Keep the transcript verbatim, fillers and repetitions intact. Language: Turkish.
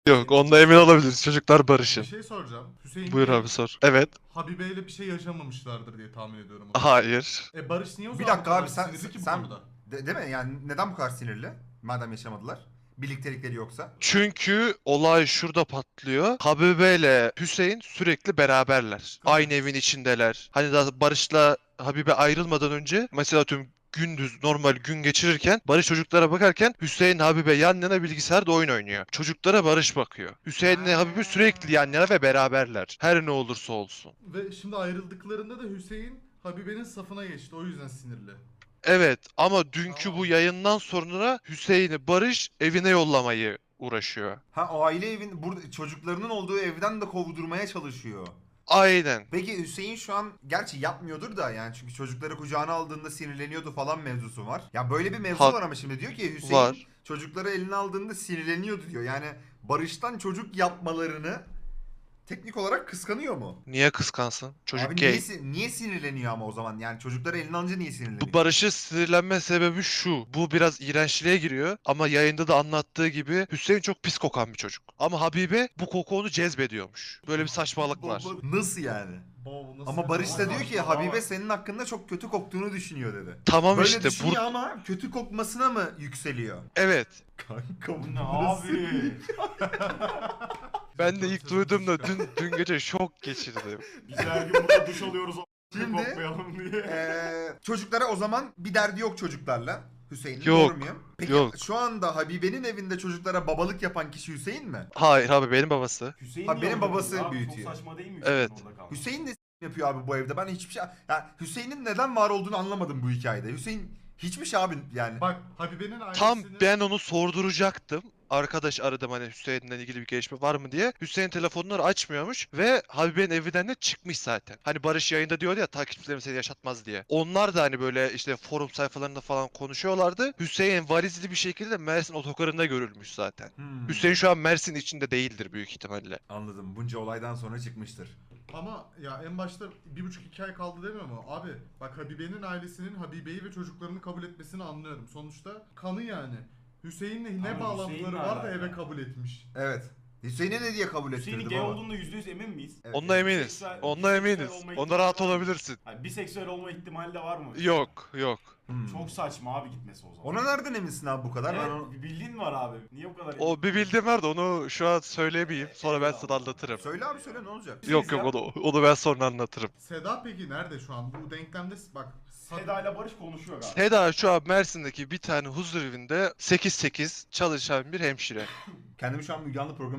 Yok, onda emin olabiliriz. Çocuklar Bir barışın. şey soracağım. Hüseyin Buyur Bey, abi sor. Evet. Habibe ile bir şey yaşamamışlardır diye tahmin ediyorum o zaman. Hayır. E Barış niye o Bir zaman bu dakika kadar abi sen sinirli ki bu sen konuda? de, değil mi? Yani neden bu kadar sinirli? Madem yaşamadılar. Birliktelikleri yoksa. Çünkü olay şurada patlıyor. Habibe ile Hüseyin sürekli beraberler. Aynı evin içindeler. Hani daha Barış'la Habibe ayrılmadan önce mesela tüm gündüz normal gün geçirirken Barış çocuklara bakarken Hüseyin Habibe yan yana bilgisayarda oyun oynuyor. Çocuklara Barış bakıyor. Hüseyin'le Habibe sürekli yan yana ve beraberler. Her ne olursa olsun. Ve şimdi ayrıldıklarında da Hüseyin Habibe'nin safına geçti. O yüzden sinirli. Evet ama dünkü Tamam. bu yayından sonra Hüseyin'i Barış evine yollamayı uğraşıyor. Ha aile evin burada çocuklarının olduğu evden de kovdurmaya çalışıyor. Aynen. Peki Hüseyin şu an gerçi yapmıyordur da yani çünkü çocukları kucağına aldığında sinirleniyordu falan mevzusu var. Ya böyle bir mevzu Ha- var ama şimdi diyor ki Hüseyin Var. çocukları eline aldığında sinirleniyordu diyor. Yani Barış'tan çocuk yapmalarını teknik olarak kıskanıyor mu? Niye kıskansın? Çocuk Abi gay. niye, si- niye sinirleniyor ama o zaman? Yani çocukları eline alınca niye sinirleniyor? Bu Barış'ın sinirlenme sebebi şu. Bu biraz iğrençliğe giriyor ama yayında da anlattığı gibi Hüseyin çok pis kokan bir çocuk. Ama Habibe bu koku onu cezbediyormuş. Böyle bir saçmalık var. Nasıl yani? Baba, bu nasıl Ama bir Barış da laf? diyor ki Habibe senin hakkında çok kötü koktuğunu düşünüyor dedi. Tamam Böyle işte düşünüyor bur ama kötü kokmasına mı yükseliyor? evet. Kanka bu Ne abi? Ben de ilk duyduğumda dün dün gece şok geçirdim. Biz her gün burada duş alıyoruz o Şimdi- kokmayalım diye. Ee, çocuklara o zaman bir derdi yok çocuklarla. Hüseyin'in Yok, doğru muyum? Peki yok. şu anda Habibe'nin evinde çocuklara babalık yapan kişi Hüseyin mi? Hayır abi benim babası. Hüseyin Ha, niye benim orada babası kalıyor abi? büyütüyor. Çok saçma değil mi Evet. Hüseyin orada kalması? Hüseyin ne s- yapıyor abi bu evde? Ben hiçbir şey... Yani Hüseyin'in neden var olduğunu anlamadım bu hikayede. Hüseyin hiçbir şey abi yani. Bak Habibe'nin ailesinin... Tam ben onu sorduracaktım. Arkadaş aradım hani Hüseyin'le ilgili bir gelişme var mı diye. Hüseyin telefonları açmıyormuş ve Habibe'nin evinden de çıkmış zaten. Hani Barış yayında diyordu ya takipçilerim seni yaşatmaz diye. Onlar da hani böyle işte forum sayfalarında falan konuşuyorlardı. Hüseyin valizli bir şekilde Mersin otogarında görülmüş zaten. Hmm. Hüseyin şu an Mersin içinde değildir büyük ihtimalle. Anladım. Bunca olaydan sonra çıkmıştır. Ama ya en başta bir buçuk iki ay kaldı demiyor mu? Abi bak Habibe'nin ailesinin Habibe'yi ve çocuklarını kabul etmesini anlıyorum. Sonuçta kanı yani. Hüseyin'le ne Ama bağlantıları Hüseyin'le var da alakalı. eve kabul etmiş. Evet. Hüseyin'e ne diye kabul Hüseyin'in ettirdi gay baba? olduğunda yüzde yüz emin miyiz? Evet. Onunla eminiz. Biseksüel- Onunla biseksüel eminiz. olma Onda ihtimali rahat var mı? olabilirsin. Yani biseksüel olma ihtimali de var mı? Yok, yok. Hmm. Çok saçma abi gitmesi o zaman. Ona nereden eminsin abi bu kadar? Evet, Ben onu... bir bildiğin var abi. Niye bu kadar O bir bildiğim var da onu şu an söyleyemeyeyim. Sonra ben sana anlatırım. Söyle abi söyle ne olacak? Yok yok onu, onu ben sonra anlatırım. Seda peki nerede şu an? Bu denklemde bak. Seda ile Barış konuşuyor galiba. Seda şu an Mersin'deki bir tane huzur evinde sekiz sekiz çalışan bir hemşire. Kendimi şu an Müge Anlı programı